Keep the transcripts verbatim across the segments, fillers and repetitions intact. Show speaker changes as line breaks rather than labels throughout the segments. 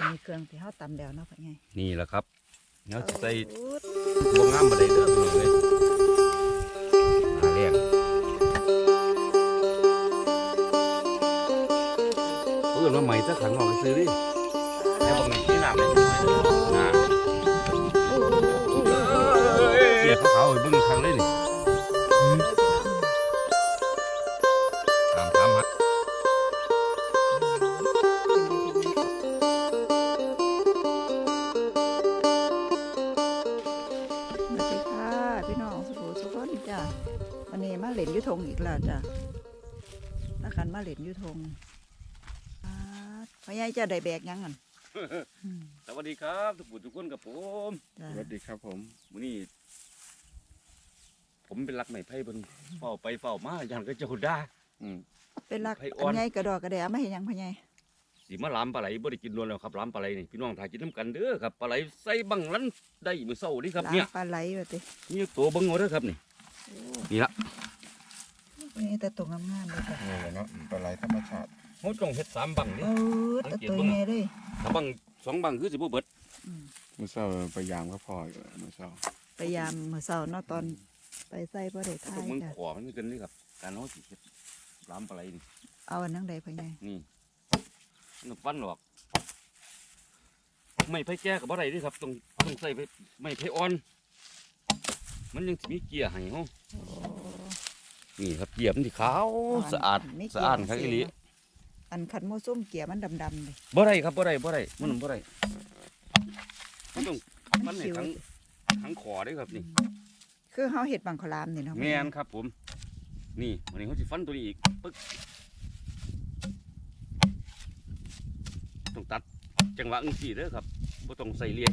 มีเครื่องที่เขาตำแล้วเนาะพ่อใหญ่
นี่แหละครับเนาะใส่บวงงามมาได้เด้อพี่น้องเลยนาเลี้ยงเพื่อนว่าใหม่ถ้าขังออกซื้อดิแล้วบางทีที่หนักเลยนะเกี่ยเขาเขาเบิ้งครั้งเลยนี่ตามตามฮะ
มาเล่นยุทงอีกแล้วจ้ะนักขันมาเล่นยุทงพ่อใหญ่จะได้แบกยังกัน
สวัสดีครับทุกผู้ทุกคนกับผม
สวัสดีครับผม
มื้อนี้ผมเป็นรักไม้ไผ่เพิ่นเฝ้าไปเฝ้ามาอย่างก็เจ้าด่า
เป็นรักพ่อใหญ่กระดอกกระเดะไม่เห็นยังพ่อใหญ่
สิมาล้ำปลาไหลบ่ได้กินล้วนแล้วครับล้ำปลาไหลนี่พี่น้องถ่ายกินน้ำกันเด้อครับปลาไหลใส่บังลันได้มื้อเช้านี่ครับเนี่ย
ปลาไหลว่าติ
นี่ตัวเบิ่งเอาเด้อครับนี่นี่ละ
นี่แต่ตัวงามๆเลยจ้ะ
นี่แหละเนาะปลาไหลธรรมชาติ
เฮาต้องเฮ็ดสามบังนี่
เออแต่ตัวใหญ่เลย
ถ้าบังสองบังคือสิบ่เบิด
มื้อเช้าพยายามก็พออยู่มื้อเช้า
พยายามมื้อเช้าเนาะตอนไปใส่บ่ได้ทาย
จ้ะมันขอมันกันนี่ครับการเฮาสิเฮ็ดล้ำปลาไหลนี่
เอาอันนั้นใดพ่อใหญ่
นี่มันฟันออกไม่ไผ่แก่ก็บ่ได้เด้ครับต้องต้องใส่ไม่ไผ่อ่อนมันยังมีเกียร์ให้เฮานี่ครับเกียร์มันที่ขาวสะอาดสะอาดครับอีหลี
อันขันโมส้มเกียร์มันดำๆเลย
บ่ได้ครับบ่ได้บ่ได้มันบ่ได้มันต้องมันให้ทั้งทั้งขอได้ครับนี่
คือเฮาเห็ดบังคลามนี่เนาะ
แม่นครับผมนี่วันนี้เขาสิฟันตัวนี้อีกปึ๊กต้องตัดจังหวะอึ้งสี่เด้อครับบ่ต้องใส่เลีย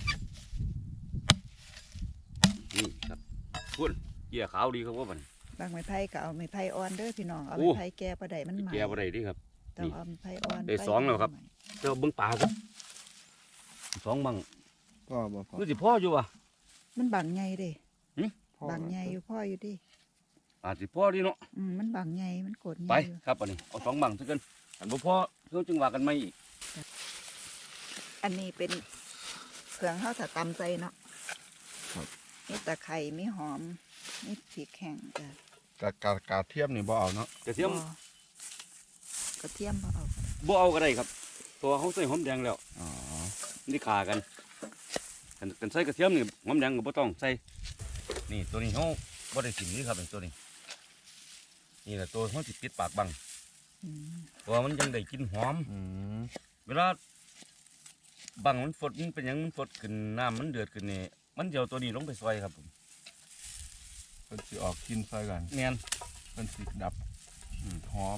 นี่ครับพุ่นเกียร์ขาวดีครับว่ามัน
บางไม้ไผ่ก็เอาไม้ไผ่อ่อนเด้อพี่น้องเอาไม้ไผ่แก่ประใดมันใหม่
แก่ประใดดิครับ
ต้องเอาไม้ไผ่อ่อน
ได้สองแล้วครับเจ้าเบิ้งป่าครับสองบัง
พ่อบ่พ่อ
คือสิพ่ออยู่วะ
มันบังใหญ่เด้บังใหญ่อยู่พ่ออยู่ดิ
อาจสิพ่อดีเนาะ
อืมมันบังใหญ่มันโกรธ
ไปครับอันนี้เอาสองบังซะกันอันบ่พ่อเพื่อจึงว่ากันไม่อีก
อันนี้เป็นเครื่องข้าวถ้าตำใจเนาะมีตะไคร้มีหอมมีพริกแห้งจ้ะ
กะกะกะเทียมนี่บ่เอาเนาะ
กระเทียม
กระเทียมบ่เอา
บ่เอาก็ได้ครับตัวเขาใส่หอมแดงแล้ว
อ๋อ
นี่ขากันกันใส่กระเทียมนี่หอมแดงก็บ่ต้องใส่นี่ตัวนี้เขาบ่ได้กินนี่ครับตัวนี้นี่แหละตัวเขาสิปิดปากบังเพราะมันยังได้กินหอมเวลาบังมันฝดมันเป็นยังมันฝดขึ้นน้ำมันเดือดขึ้นนี่มันเดี๋ยวตัวนี้ลงไปซอยครับผม
มันสิออกกินซอยกัน
เนียน
มันสิดับหอม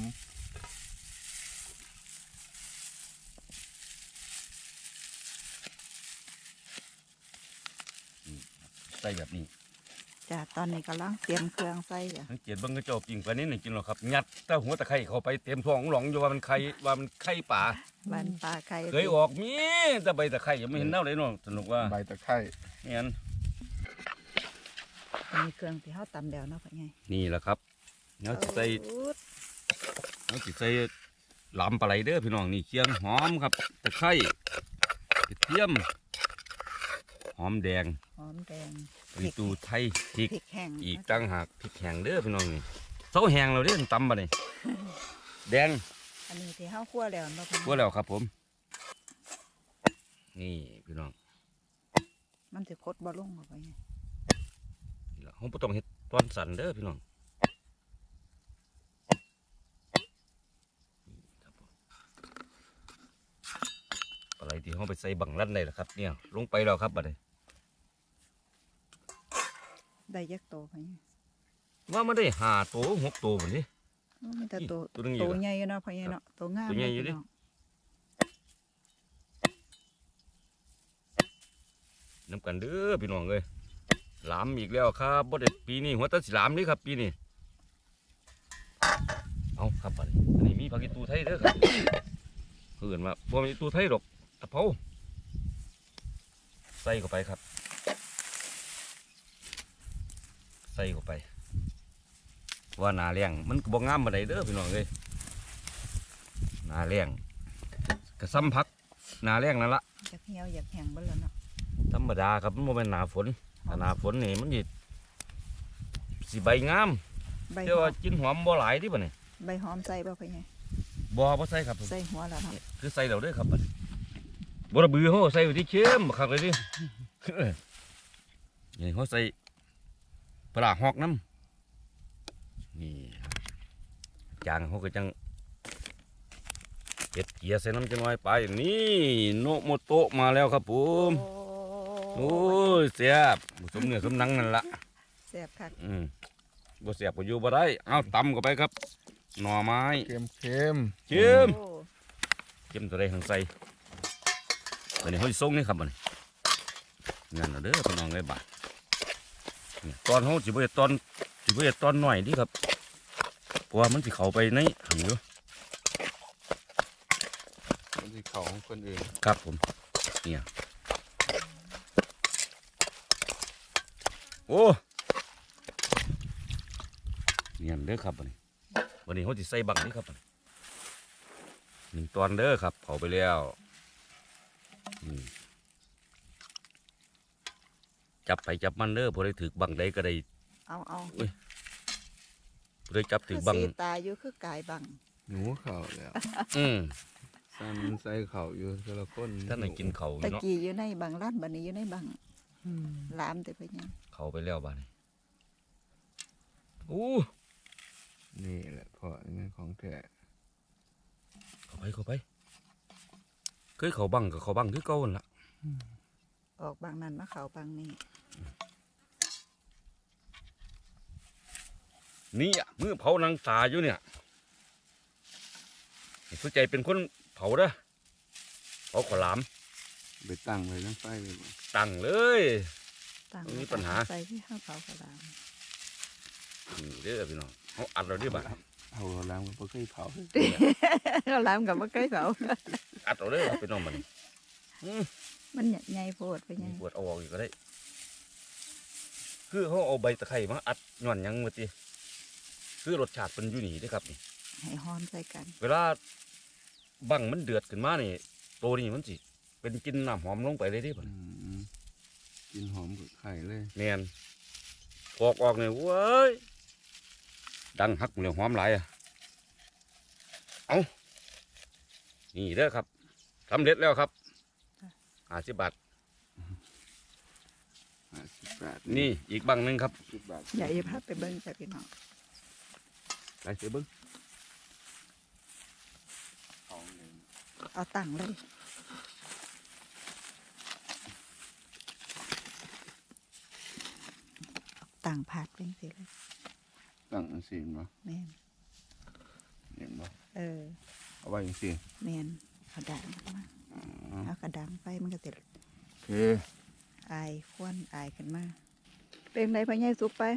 ใส่แบบนี้
จ้ะตอนนี้กำลังเตรียมเครื่องใส่จ้ะ
สังเกตบังกระจกจริงปลานี้หนึ่งกินหรอครับยัดเต้าหัวตะไคร้เข้าไปเต็มท้องหลงอยู่ว่ามันไข่ว่ามันไข่ป่า
บ้านปลาไข่
เคยออกมีแต่ใบตะไคร้ยังไม่เห็นเน่าเลยเนาะสนุกว่า
ใบตะไคร้
เนี่ย
มีเครื่องที่เขาตำแล้วเนาะพ่อใหญ่
นี่แหละครับเนาะใส่เนาะใส่หลำปลาไหลเด้อพี่น้องนี่เคียงหอมครับตะไคร้กระเทียมหอมแดง
หอมแดง
พริกตูไทยพริก
แห้ง
อีกตั้งหากพริกแห้งเด้อพี่น้องนี่เสาแห้งเราเด้อตำมาเลยแดง
อันนี้ที่เขาคั่วแล้วเนาะ
คั่วแล้วครับผมนี่พี่น้อง
มันจะคดบอลงออกไปไง
เขาไม่ต้องเห็ดตอนสั่นเด้อพี่น้องอะไรที่เขาไปใส่บังลั่นได้ล่ะครับเนี่ยลงไปแล้วครับบัดนี้
ได้ยักษ์โตไป
ว่ามันได้ห้าโตหกโตแบบนี้
มันแต่โตโตใหญ่เนาะพ่อใหญ่เนาะโตงาม
ตัวใหญ่อยู่ดิน้ำกันเด้อพี่น้องเลยหลามอีกแล้วครับบ่ได้ปีนี้หัวตาสีหลามนี่ครับปีนี้เอาครับอันนี้อันนี้มีผักอีตูไทยเด้อครับเพื่อนว่าบ่มีตูไทยหรอกตะเภาใส่เข้าไปครับใส่เข้าไปว่านาเลี้ยงมันบ่งามมาได้เด้อพี่น้องเลยนาเลี้ยงกระซ้ำพักหนาแรงนั่นละ
อยากเหี่ยวอยากแห้งเบ่แล้วเนาะ
ธรรมดาครับมันบ่แม่นหนาฝนถ้าหนาฝนนี่มันสิสิใบงาม
ใบ
แต่
หอ
ว่าม กินหอมบ่หลายดิบัดนี้
ใบหอมใส่บ่พ่อใหญ่
บ่บ่ใส่ครับผม
ใส่หัวแล้วเนาะ
คือใส่แล้วเด้อครับบัดนี้บ่ระบือเฮาใส่ไว้ที่เค็มบักคักเลยดิ นี่เฮาใส่ปลาหอกน้ำนี่ครับจางเฮาก็จังเฮ็ดเกียร์ใส่น้ำจังน้อยไปนี่โนโมโตะมาแล้วครับผมโอ้ยแซ่บสมเนื้อสมหนังนั่นล่ะ
แซ่บคัก
อืมบ่แซ่บก็อยู่บ่ได้เอาตำเข้าไปครับหน่อไม้
เค็มเค็ม
เค็ม
โอ้
เค็มตัวใดทางใส่อันนี้เขาสิส่งนี่ครับบัดนี้งั้นเอาเด้อพี่น้องเอ้ยบาดนี่ตอนเขาสิบ่เฮ็ดตอนสิบ่เฮ็ดตอนน้อยดิครับเพราะว่ามันสิเข้าไปในหังอยู่
มันสิเขาของคนอื่น
ครับผมเนี่ยโอ้เนี่ยเด้อครับบัดนี้วันนี้เขาสิใส่บังนี่ครับบัดนี้หนึ่งตอนเด้อครับเผาไปแล้วอืมจับไปจับมันเด้อพอได้ถือบังใดก็ได้
เอาเอา
พอได้จับถื
คือ อ
บัง
สีตาอยู่คือกายบัง
หนูเข่าแล้ว
อืม
ซันใส่เข่าอยู่แต่ละคน
ท่านไหนกินเขาอยู่
ตะ
เนาะ
กี้อยู่ในบังร้านบัดนี้อยู่ในบังหลามแต่พ่อใหญ่
เขาไปแล้วบ้านนี้อู้
นี่แหละพ่อนี่ของแท้
เข้าไปเข้าไปเคยเขาบังกับเขาบังคือเก่าหั่นล่ะ
ออกบางนั้นมาเข้าบางนี้
นี่อ่ะมือเผานางตาอยู่เนี่ยให้สุใจเป็นคนเผาเด้อเผาขอหลาม
ไปตั้งไว้ตั้งไฟเลยบ่
ตั้งเลย
ต่าง
มีปัญหา
ใส่ที่ข้าวเผากระลาม
นี่เด้อพี่น้องเขาอัดเราดิบ่า
เอาล้างมันบ่เคยเผา
ข้าวหลามกับมะเขือเผา
อัดเราเด้อพี่น้องมันอืม
มันใหญ่โพดไปใหญ่
ปวดเอาออกอีกก็ได้ คือเขาเอาใบตะไคร้มาอัดย้อนหยังมาติคือรสชาติเป็นอยู่นี่เด้อครับนี่
ให้หอมใส่กัน
เวลาบังมันเดือดขึ้นมานี่ตัวนี้มันสิเป็นกลินน้ำหอมลงไปเลยเดิบ่
อืมกินหอมกับไข่เลย
แมนปอกออกเนี่ยเว้ยดังหักเหลืองหอมหลายอ่ะเอานี่เด้อครับสำเร็จแล้วครับห้าสิบบาท
ห้าสิบบาท
นี่อีกบังหนึ่งครับ
สิบบาท
ใหญ่พับไปเบิ้งจ้ะพี่น้อง
ไปเสียเบิ้ง
ของหนึ่ง
เอาตั้งเลยตั้งผาดเป็นสิเลย
ตั้งอันซีนบ่
แมน
เห็นบ่
เออ
เอาไว้อย่างซี
แมนเอาดังมาเอากระดังไปมันก็ติด
โอเค
อายควนอายขึ้นมาเป็นไรพ่อใหญ่สุกไป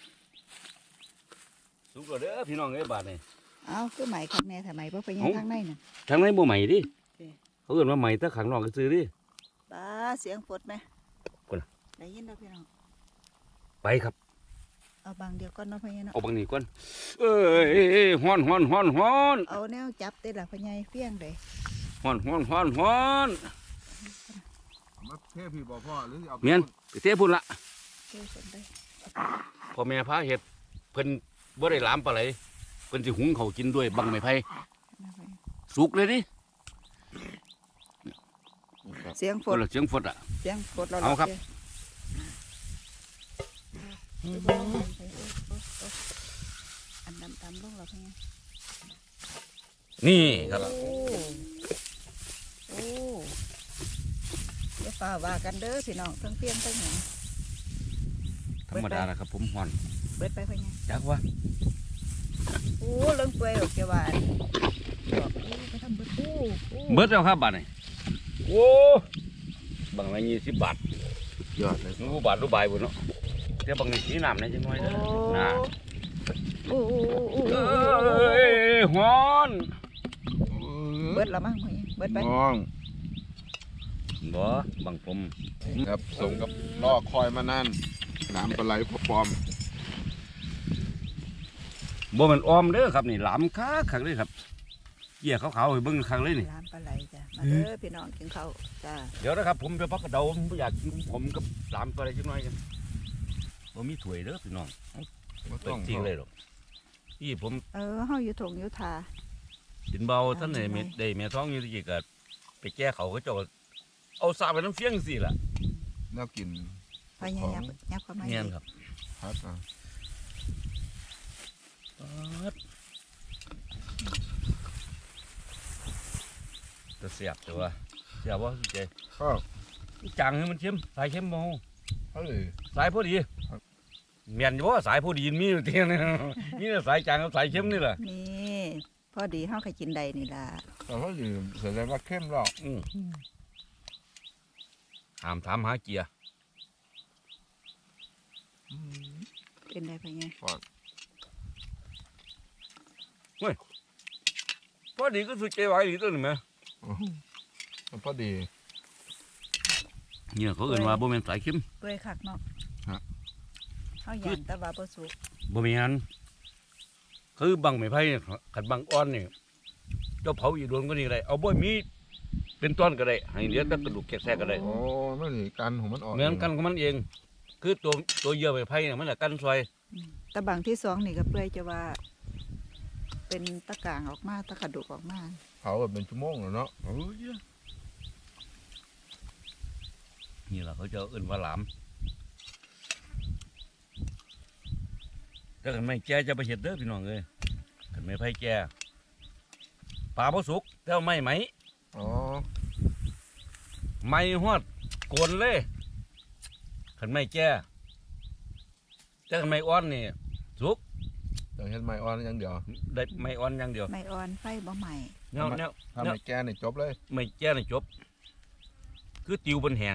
สุกแล้วเด้อพี่น้องเอ้ยบาทนี่
เอาคือไหมข้างในทำไมเพราะพ่อใหญ่
เอ้า
ข้างในน่ะ
ทางในบ่ใหม่ดิ
โอเค
เขาเอิ้นว่าใหม่แต่ขังนอกก็ซื้อดิ
ป้าเสียงฝดไหม
คนน่ะ
ได้ยินแล้วพี่น้อง
ไปครับ
เอาบางเดียวก่อนเนาะพ่อใหญ่เนาะ
เอาบังนี้ก่อนเอ้ยฮ้อนฮ้อนฮ้อนฮ้อน
เอาแนวจับเด้อล่ะพ่อใหญ่เฟี้ยงเลย
ฮ้อนฮ้อนฮ้อนฮ้อน
เอามาเทพี่บ่พ่อหรือเอาไป
เมียนไปเทพุ่นละ
เจ้าสนได้
พ่อแม่พาเห็ดเพิ่นบ่ได้หลามปลาไหลเพิ่นสิหุงเขาวกินด้วยบังไม้ไผ่
นะพ่อใหญ่
สุกเลยดิ
เสียงฝ
คน
ด
ละเสียงฝดอ่ะ
เสียงฝดเรา
เอาครับ
อันดำตำลงเราพ่อใหญ่
นี่ครับ
โอ้โอ้อย่าฝ่าว่ากันเด้อพี่น้องทั้งเพียงทั้งหยัง
ธรรมดานะครับผมห่อน
เบิดไปพ่อใหญ่
จักว่า
โอ้เรื่องเปื่อยออกจากบ้านบอกโอ้ไปทำเบิดโอ้โอ้
เบิดแล้วครับบาทนี่โอ้บังละยี่สิบบาท
ยอดเลย
รู้บาทรู้ใบบุญเนาะเดี๋ยวบังนี่สีน้ำนี่จังหน่อยเด้อนะ
โอ้โอ้โอ้โอ้
เอ้ยฮ้อน
เบิดละมั้งพ่อใหญ่เบิดไป
น้อง
บ่บังผม
ครับสมกับรอคอยมานานน้ำปลาไหลพอปลอม
บ่แมันออมเด้อครับนี่หลามคักคักเลยครับเกี่ยขาวๆให้เบิ่งครั้งเลยนี่
ร้านปลาไหลจ้ะมาเด้อพี่น้องกินข้าวจ้า
เดี๋ยวนะครับผมไปพักกระเดาผมบ่อยากกินผมกับหลามตัวอะไรจักหน่อยกันบ่มีถ้วยเด้อพี่น้อง
บ่
เป็
ต้อน ง
จริงเลยหรอกที่ผม
เออเฮาอยู่ถงอยู่ทา
กินเบาท่านไหน
ทำไม
เม็ดได้แม่ท้องอยู่ที่ก็ไปแก้เขาก็เจะเอาสาไปน้ำเฟี้ยงสิล่ะ
แนวกิน
พยายามยับเข้ามา
เงี้ยครับ
พัดอ่ะ
จะเสียบแต่ว่าเสียบว่าสิเจ
ครับ
จังให้มันเข้มสายเข้มโม
เฮ้ย
สายพอดี
ครับ
เมียนอยู่ว่าสายพอดีมีอยู่เทียน นี่แหละสายจางกับสายเข้มนี่แหละ
นี่พอดีเฮาก็กินได้นี่ล่ะ
แต่เขาอยู่แสดงว่าเข้มหรอก
อืมถามถามหาเกียร์
อืม
เป็นได้ไปไง
พอดีก็สุดใจไหวดีตัวหนึ่งไหม
มันพอดี
เนี่ยเขาเอื่นว่าบ่แม่นสายเข้ม
เปื่อยคักเนาะ
ฮะ
เฮาย่านแต่ว่าบ่สุก
บ่แม่นคือบังไม้ไผ่ขัดบังอ่อนนี่เจ้าเผาอีโดนก็นี่ก็ได้เอาบ่มีเป็นต้นก็ได้ให้เหลือแต่กระดูกแกะๆก็ได้
โอ้นั่นนี่กันของมันออก
เหมือนกันของมันเอง คือตัวตัวเหยื่อไม้ไผ่เนี่ยมันแหละกันซอย
อืมแต่บางที่สองนี่ก็เปื่อยจะว่า เป็นตะกร้างออกมาตะกระดูกออกมา
เผาแบบเป็นชั่วโมงแล้วเนาะ
โอ้ยนี่แหละเขาจะเอื่นว่าหลามถ้ากันไม่แก่จะไปเห็ดเด้อพี่น้องเลยกันไม่ไผ่แก่ปลาบ่สุกแต่ว่าไม่ไหม
อ๋อ
ไม่ฮอดโกนเลยขันไม่แก่แต่ขันไม่อ่อนนี่สุก
อย่างเห็นไม้อ่อนอย่างเดียว
ได้ไม่อ่อนอย่างเดียว
ไม่อ่อนไฟบ่ใหม่
แนวแนว
ถ้า
แนว
ไม่แก่นี่จบเลย
ไม่แก่นี่จบ คือติวบนแหง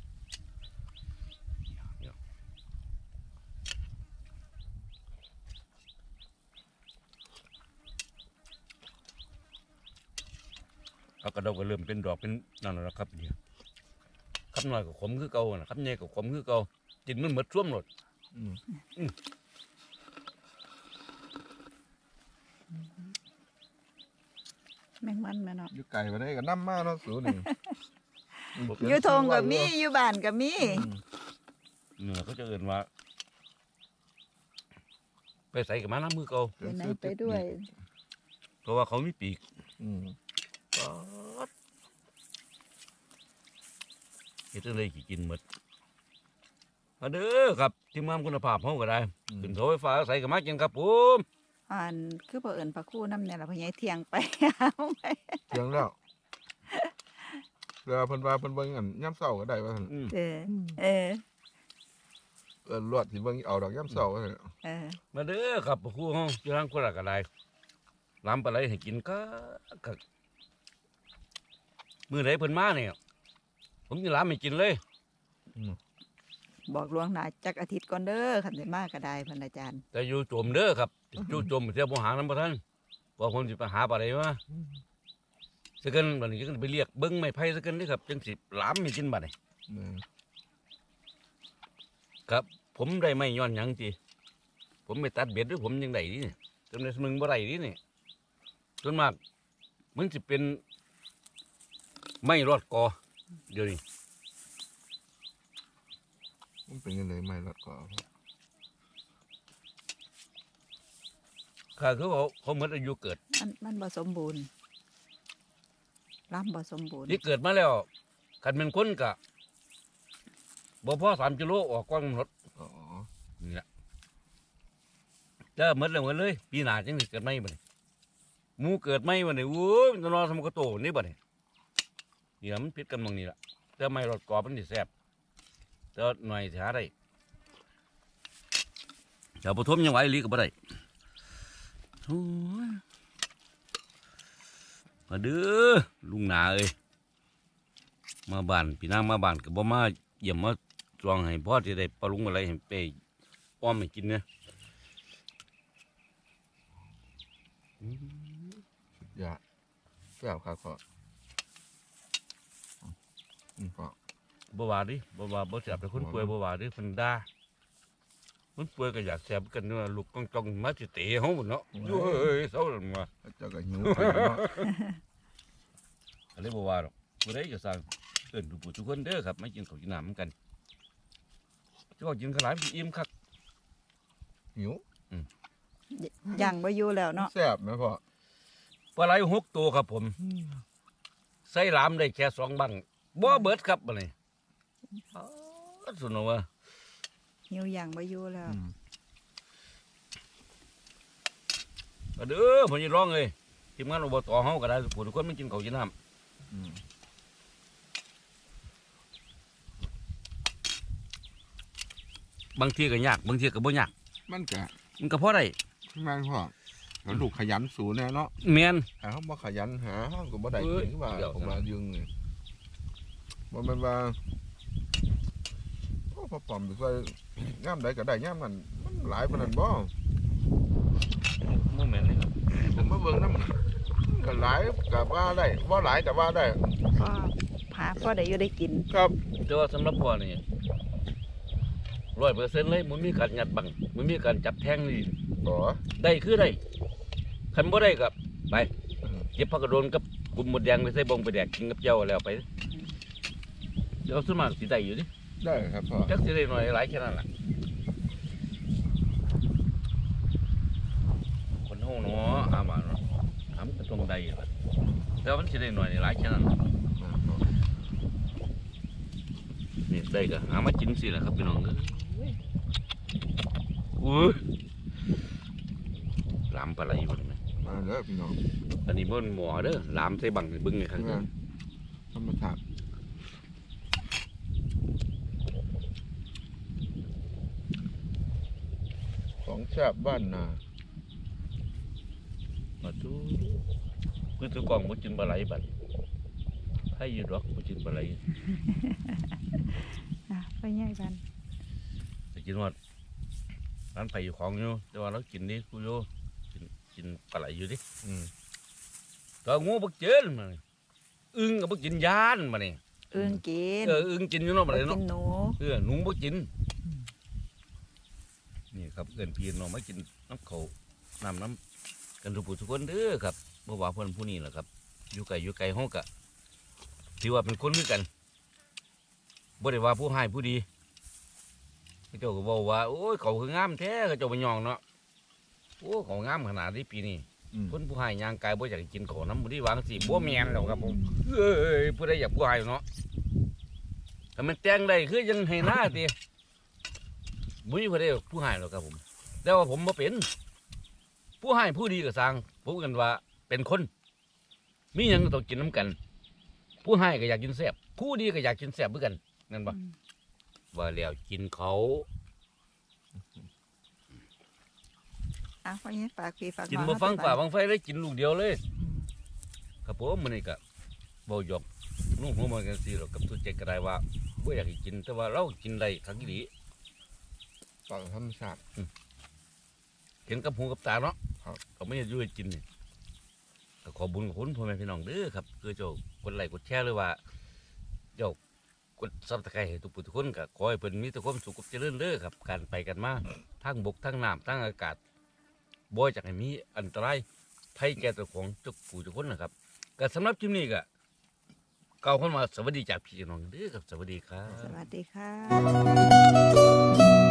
เอากระดกก็เริ่มเป็นดอกเป็นนั่นแล้วครับเนี่ยครับน้อยก็ขมคือเก่านะครับใหญ่ก็ขมคือเก่ากินมันหมดช่วมหมด
อืม
แมงมันแม่เนาะ
อยู่ไก่มาได้ก็น้ำมากเนาะสูนี่
อยู่ทงก็มีอยู่บ้านก็มี
อืม
เนี่ยเขาจะเอินว่า ไปใส่กับมาน้ำมือเก่า
ไปไหนไปด้วย
เพราะว่าเขามีปีก
อืม
เฮ็ดอะไรกี่กินหมดมาเด้อครับทีมงานคุณภาพเขาก็ได้ขึ้นโถไฟฟ้าใส่กับมากินครับผม
อ่านคือบ่เอิ้นปลาคู่น้ำเนี่ยล่ะพ่อใหญ่เที่ยงไป เอาไป
เที่ยงแล้วเรือเพิ่นว่าเพิ่นเบิ่งอันย่ำเสาก็ได้ว่าซั่น
อืม
เออเออ
เออลวดสิเบิ่งเอาดอกย่ำเสาว่าซั่น
เออ
มาเด้อครับครูเฮาอยู่ทางคนละก็ได้ล้ำปลาไหลให้กินก็ก็มื้อไหนเพิ่นมาเนี่ยผมจะล้ำให้กินเลย
บอกลวงหน้าจักอาทิตย์ก่อนเด้อคันสิมาก็ได้เพิ่นอาจารย์
แต่อยู่โจมเด้อครับอยู่โจมเสียบ่หางนำบ่ทันว่าผมสิไปหาปลาไหลมาสักกันบัดนี้ก็ไปเรียกเบิ่งไม้ไผ่สักกันเด้อครับจังสิล้ำให้กินบัดนี้
เออ
ครับผมได้ไม่ย้อนหยังจีผมไปตัดเบ็ดด้วยผมยังได้นี่จนในมึงบ่ได้นี่นี่ส่วนมากมันจะเป็นไม่รอดกอเดี๋ยวนี้
มันเป็นยังไงไม่ลดก็
ข้าคือเขาเขาเหมือนอายุเกิด
มันมันบ่สมบูรณ์ลำบ่สมบูรณ์
ที่เกิดมาแล้วคันเป็นคนกะบ่พอสามกิโลออกกว้างรถ
อ๋อ
นี่แหละจะเหมือนเลยเหมือนเลย ปีหน้าจังสิเกิดไม่บ่นี่หมูเกิดไม่บ่นี่โอ้ยมันจะนอนสมกระโตนี่บ่นี่เดี๋ยวมันพิษกันบางนี่ละแต่ไม่รอดกอมันสิแซ่บแต่หน่อยสิหาได้เดี๋ยวปฐมยังไหวอีหลีก็บ่ได้โอ้ยมาเด้อลุงหนาเอ้ยมาบ้านพี่นางมาบ้านก็บ่มาเยี่ยมมาจองให้พ่อที่ได้ปลาลุงอะไรให้ไปอ้อมให้กินเนี่ย
อย่าแก้วขาคออืมพอ
บ่ว่าดิบ่ว่าบ่เสียบแต่คนป่วยบ่ว่าดิเพิ่นด่าโอ้มันป่วยก็อยากแสบกันเนาะลูกต้องจ้องมาสิเตะเฮาหมดเนาะอยู่เอ้ยเศร้าแล้วมา
เจ้าก็หิวไปเนาะ
ก็เลยบ่ว่าหรอกบ่ได้ก็สร้างเอิ้นทุกผู้ทุกคนเด้อครับมากินข้าวกินน้ำกันสิว่ากินขาวหลายมันสิอิ่มคัก
หิว
ย่างบ่อยู่แล้วเนาะ
แซ่บไหมพ่อ
ปลาไหลหกตัวครับผมใส่หลามได้แค่สองบังบ่เบิดครับบัดนี้อ๋อสุดเนาะว่า
หิวย่างบ่อยู่แล้ว
อืม
ก็เด้อผมจะร้องเลยทีมงานอบตเฮาก็ได้ผู้ทุกคนมันกินข้าวกินน้
อืม
ำบางทีก็ยากบางทีก็บ่ยาก
มันก็
มันก็พอได้
แม่นพ่อแล้วลูกขยันสูแน่เนาะ
แม่น
ถ้าเขาบ่ขยันหาเขาก็บ่ได้กินว่า
เดี๋ยว
ผมมายึงนี่บ่แม่นว่าโอ้พ่อปอมไปใส่ย่ามใดก็ได้ย่ามนั้นมันหลายปานนั้นบ่
บ่แม่นเลยครับ
ผมมาเบิ่งนำก็หลายก็ว่าได้บ่หลายก็ว่าได้
ก็พาพ่อได้อยู่ได้กิน
ครับ
แต่ว่าสำหรับพ่อนี่ร้อยเปอร์เซ็นต์เลยมันมีการยัดบังมันมีการจับแทงนี่
บ่
ได้คือได้คันบ่ได้ก็ไป
อืม
เก็บผักกระโดนกับกุมหมดแดงไปใส่บงไปแดกกินกับเจ้าแล้วไปเดี๋ยวส่วนมากสิได้อยู่ดิ
ได้ครับพ่อ
จักสิได้หน่อยหลายแค่นั้นล่ะคนเฮาเนาะอามาเนาะถามก็ต้องได้ล่ะแต่ว่ามันสิได้หน่อยหลายแค่นั้นล่ะ นี่ได้ก็หามากินสิแหละครับพี่น้องเอ้ยอุ้ยลามปลาไหลบ่ได้ไหม
มาเด้อพี่น้อง
อันนี้มันหมอเด้อลามใส่บังให้เบิ่งในข้าง
แม่นธรรมชาติของแซ่บบ้านนา
มาดูคือตัวกล่องบ่กินปลาไหลบัดให้อยู่ดอกบ่กินปลาไหล
อ่ะไปย่างกัน
แต่กินว่าร้านไผอยู่ของอยู่แต่ว่าเรากินนี่กูอยู่กินกินปลาไหลอยู่ดิ
อืม
ตัวงูบ่เจอมานี่อึ้งก็บ่กินยานมานี่
เอื้องกิน
เอออึ้งกินอยู่เนาะปลาไหล
กิ
เนาะ
นหนู
เออหนูบ่กิน นี่ครับเอิ้นพี่น้องมากินน้ำเขาวน้ำน้ำกันทุกผู้ทุกคนเด้อครับบ่ว่าเพิ่นผู้นี้แหละครับ อยู่ไกลอยู่ไกลเฮากะถือว่าเป็นคนคือกันบ่ได้ว่าผู้ให้ผู้ดีเขาเจ้าก็บอกว่าโอ้ยเขาคืองามแท้เขาเจ้าไปยองเนาะโอ้เขางามขนาดนี้ปีนี้
อืม
คนผู้ให้ย่างกายบ่อยากกินของน้ำบ่ได้วางสิบ่แม่นแล้วครับผมเอ้ยผู้ใดอยากผู้ให้เนาะถ้ามันแต่งได้คือยังให้หน้าติ บุ้ยพอได้ผู้ให้หรอกครับผมแต่ว่าผมมาเป็น ผู้ให้ผู้ดีก็สร้างผมกันว่าเป็นคน มีหยังก็ต้องกินน้ำกัน ผู้ให้ก็อยากกินแซ่บผู้ดีก็อยากกินแซ่บเหมือนกันนั่นปะ
อืม
ว่าแล้วกินเขา
อ่ะพ่อยังฝากพี่ฝาก
กิน
น้อง
บ่ฟัง
เอไป
ฝ่า
ก่อน
ฟังไฟเลยกินลูกเดียวเลย ครับผมมันนี่ก็บ่หยอกนุ่งหัวมันกันสิหรอกกับทุกเจกก็ได้ว่าบ่อยากให้กินแต่ว่าเรากินได้ครั้งนี้
ต่างธรรมชาติ
เห็นกับหูกับตาเนาะ
ครับ
ก็ไม่ได้อยู่ให้กินนี่ก็ขอบุญขอบคุณพ่อแม่พี่น้องเด้อครับคือเจ้ากดไลค์กดแชร์หรือว่า เจ้ากดซับสไครต์ให้ทุกผู้ทุกคนก็ขอให้เพิ่นมีแต่ความสุขกับเจริญเด้อครับการไปกันมาทั้งบกทั้งน้ำทั้งอากาศบ่อยากให้มีอันตรายภัยแก่ตัวของทุกผู้ทุกคนนะครับก็สำหรับคลิปนี้ก็กล่าวคำว่าสวัสดีจากพี่น้องเด้อครับสวัสดีครับ
สวัสดีค่ะ